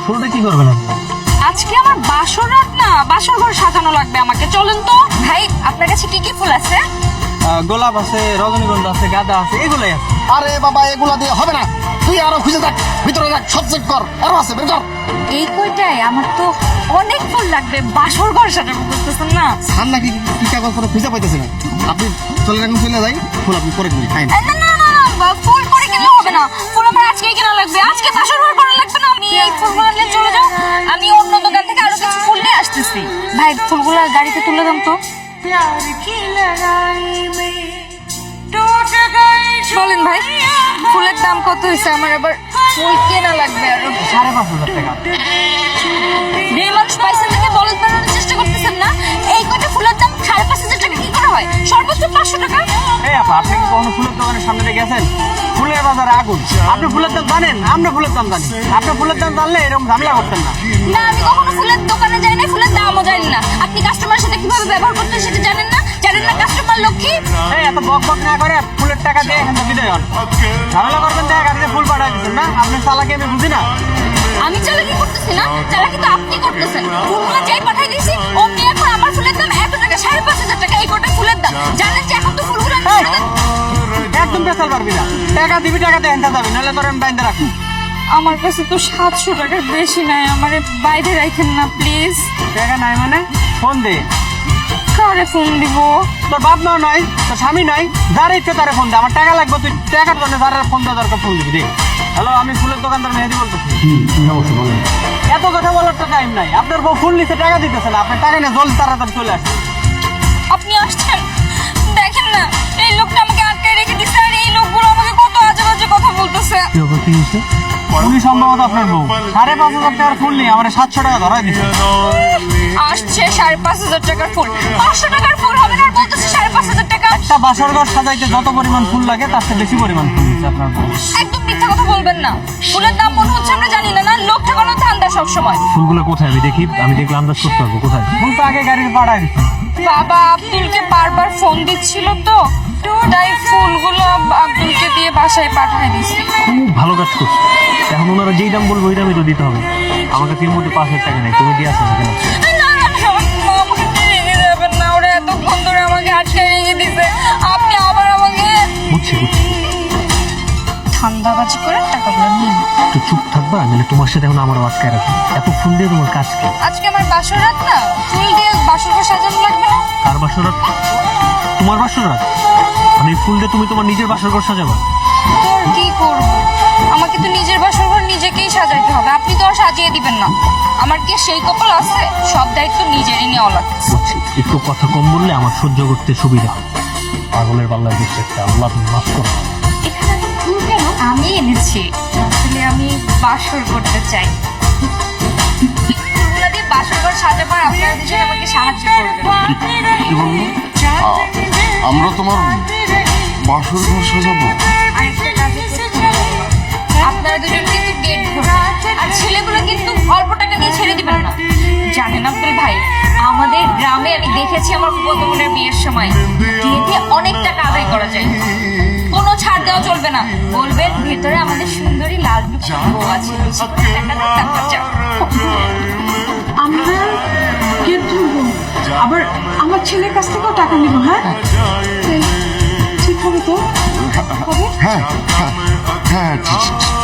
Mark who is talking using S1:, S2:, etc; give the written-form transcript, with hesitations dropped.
S1: ফুলটা কি করবেন আপনি?
S2: আজকে আমার বাসর রাত না, বাসর ঘর সাজানো লাগবে আমাকে। চলেন তো ভাই, আপনার কাছে কি কি ফুল আছে?
S1: গোলাপ আছে, রজনীগন্ধা আছে, গাঁদা আছে, এগুলাই আছে।
S3: আরে বাবা, এগুলা দিয়ে হবে না, তুই আরো খুঁজে দেখ, ভিতরে দেখ, সব চেক কর, আরো আছে, বের কর।
S2: এই কয়টাই? আমার তো অনেক ফুল লাগবে, বাসর ঘর সাজাবো, বুঝতেছেন না?
S3: সার নাকি কি কাগজ করে খুঁজে পাইতেছে না। আপনি চলে রাখুন, চলে যাই, ফুল আপনি করে দিন, খাই না।
S2: না না না না, ফুল পরে কিনলে হবে না, ফুল আমার আজকেই কেনা লাগবে, আজকে বাসর ঘর করা লাগবে না। আমি এই ফুলগুলো নিয়ে চলে যাও, আমি অন্য দোকান থেকে আরো কিছু ফুল নিয়ে আসতেছি। ভাই, ফুলগুলো গাড়িতে তুলে দাম তো। বলেন ভাই, ফুলের দাম কত হয়েছে? আমার এবার ফুল কেনা লাগবে আরো।
S1: 5,500 টাকা।
S2: মেয়ে মানুষ পাইছেন দেখে বলদ বানানোর চেষ্টা করতেছেন না? এই কটা ফুলের দাম 5,500 টাকা কি করে হয়? সর্বোচ্চ 500 টাকা।
S1: এই আপা, আপনি কি কখনো ফুলের দোকানের সামনে দিয়ে গেছেন? ফুলের বাজারে আগুন। আপনি ফুলের দাম জানেন, আমরা ফুলের দাম জানি। আপনি ফুলের দাম জানলে এরকম ঝামেলা করতেন না।
S2: না, আমি কখনো ফুলের দোকানে যাই না, ফুলের দামও জানি না। আপনি কাস্টমারের সাথে কিভাবে ব্যবহার করতে হয় সেটা জানেন না? জানেন না কাস্টমার লক্ষ্মী?
S1: এই এত বক বক না করে ফুলের টাকা দিয়ে এখান থেকে বিদায় হন। ঝামেলা করবেন দেখা গাড়িতে ফুল পাঠাই দিচ্ছেন না? আপনার চালাকি আমি বুঝি না।
S2: আমি চালাকি করতেছি না, চালাকি তো আপনি করতেছেন। ফুলগুলো যাই পাঠাই দিয়েছি, অমনি এখন আমার ফুলের দাম এত টাকা, 5,500 টাকা এই কটা ফুলের দাম। জানেন যে এখন তো ফুলগুলো
S1: একদম পেছাল পারবি না। টাকা দিবি, টাকা দিয়ে এনতে যাবি, নাহলে তোর আমি বাইন্ধে রাখবো।
S2: আমার কাছে তো 700 টাকার বেশি নাই, আমারে বাইরে রাখেন না প্লিজ।
S1: টাকা নাই মানে ফোন দে।
S2: কারে ফোন দিব?
S1: তোর বাপ মাও নাই, তোর স্বামী নাই, যার ইচ্ছে তারে ফোন দে। আমার টাকা লাগবে, তুই টাকার জন্য যারা ফোন দেওয়া দরকার ফোন দিবি দে। হ্যালো, আমি ফুলের দোকানদার মেহেদি বলতেছি।
S3: অবশ্যই বলেন।
S1: এত কথা বলার তো টাইম নাই। আপনার বউ ফুল নিচে টাকা দিতেছে না, আপনার টাকা নিয়ে জল তাড়াতাড়ি চলে আসছে।
S2: আপনি আসছেন, দেখেন না এই লোকটা আমাকে আটকায় রেখে দিচ্ছে, আর এই লোকগুলো আমাকে কত আজে বাজে কথা বলতেছে।
S1: কি হয়েছে? উনি সম্ভবত আপনার বউ 5,500 টাকার ফুল নিয়ে আমার 700 টাকা ধরাই দিচ্ছে।
S2: আসছে 5,500 টাকার ফুল, 500 টাকার ফুল হবে না, আর বলতেছে 5,500 টাকা।
S1: একটা বাসর ঘর সাজাইতে যত পরিমাণ ফুল লাগে তার চেয়ে বেশি পরিমাণ ফুল দিচ্ছে আপনার বউ।
S2: একদম মিথ্যা কথা বলবেন না। ফুলের দাম মনে হচ্ছে আমরা জানি না, না লোক ঠকানো ধান্দা সবসময়।
S1: ফুলগুলো কোথায় আমি দেখি, আমি দেখলে আন্দাজ করতে পারবো কোথায়। ফুল তো আগে গাড়ির পাড়ায় দিচ্ছে।
S2: বাবা আব্দুলকে বারবার ফোন দিচ্ছিল তো, তাই ফুলগুলো আব্দুলকে দিয়ে বাসায় পাঠিয়ে দিছি।
S1: খুব ভালো কাজ করছো। এখন ওনারা যেই দাম বলবো ওই দামই তো দিতে হবে। আমার কাছে এর মধ্যে 5,000 টাকা নেই, তুমি দিয়ে আসো না কেন?
S2: না না না, মা আমাকে রেখে যাবেন না, ওরা এতক্ষণ ধরে আমাকে আটকে রেখে দিছে, আপনি আবার আমাকে
S1: বুঝছি বুঝছি।
S2: ধান্দাবাজি করে টাকাগুলো নিন।
S1: একটু চুপ থাকবা, নাহলে তোমার সাথে এখন আমার আটকায় রাখবো। এত ফুল দিয়ে তোমার কাজ কি?
S2: আজকে আমার বাসর রাত না, ফুল দিয়ে বাসর ঘর সাজানো লাগবে না?
S1: কার বাসর রাত? তোমার বাসর রাত? আমি ফুল দিয়ে তুমি তোমার নিজের বাসর ঘর সাজাবা?
S2: তোর কি করব, আমাকে তো নিজের বাসর ঘর নিজেকেই সাজাইতে হবে, আপনি তো আর সাজিয়ে দিবেন না। আমার কি সেই কপাল আছে? সব দায়িত্ব নিজেরই নেওয়া লাগবে।
S1: বুঝছি, একটু কথা কম বললে আমার সহ্য করতে সুবিধা হয়। পাগলের পাল্লায় দিচ্ছে একটা, আল্লাহ তুমি মাফ করো।
S2: এখানে তো ফুল কেন? আমি এনেছি, আসলে আমি বাসর করতে চাই। ফুলগুলো দিয়ে বাসর ঘর সাজাবার আপনারা দুজন আমাকে সাহায্য করবেন।
S3: কি বলবো? আমরা তোমার বাসর ঘর সাজাবো।
S2: আরেকটা কাজ হচ্ছে, আপনারা দুজন কিন্তু গেট ধরবেন, আর ছেলেগুলো কিন্তু অল্প টাকা দিয়ে ছেড়ে দিবেন না। জানেন আব্দুল ভাই, আমাদের গ্রামে আমি দেখেছি আমার বোনের বিয়ের সময় গেটে অনেক টাকা আদায় করা যায়, কোনো ছাড় দেওয়া চলবে না। বলবেন ভেতরে আমাদের সুন্দরী লাল টুকরো বউ আছে, বেশি করে টাকা দেন, তারপর যাও।
S4: আমরা গেট ধরবো, আবার আমার ছেলের কাছ থেকেও টাকা নিব। হ্যাঁ, ঠিক হবে তো? হবে?
S3: হ্যাঁ হ্যাঁ হ্যাঁ, ঠিক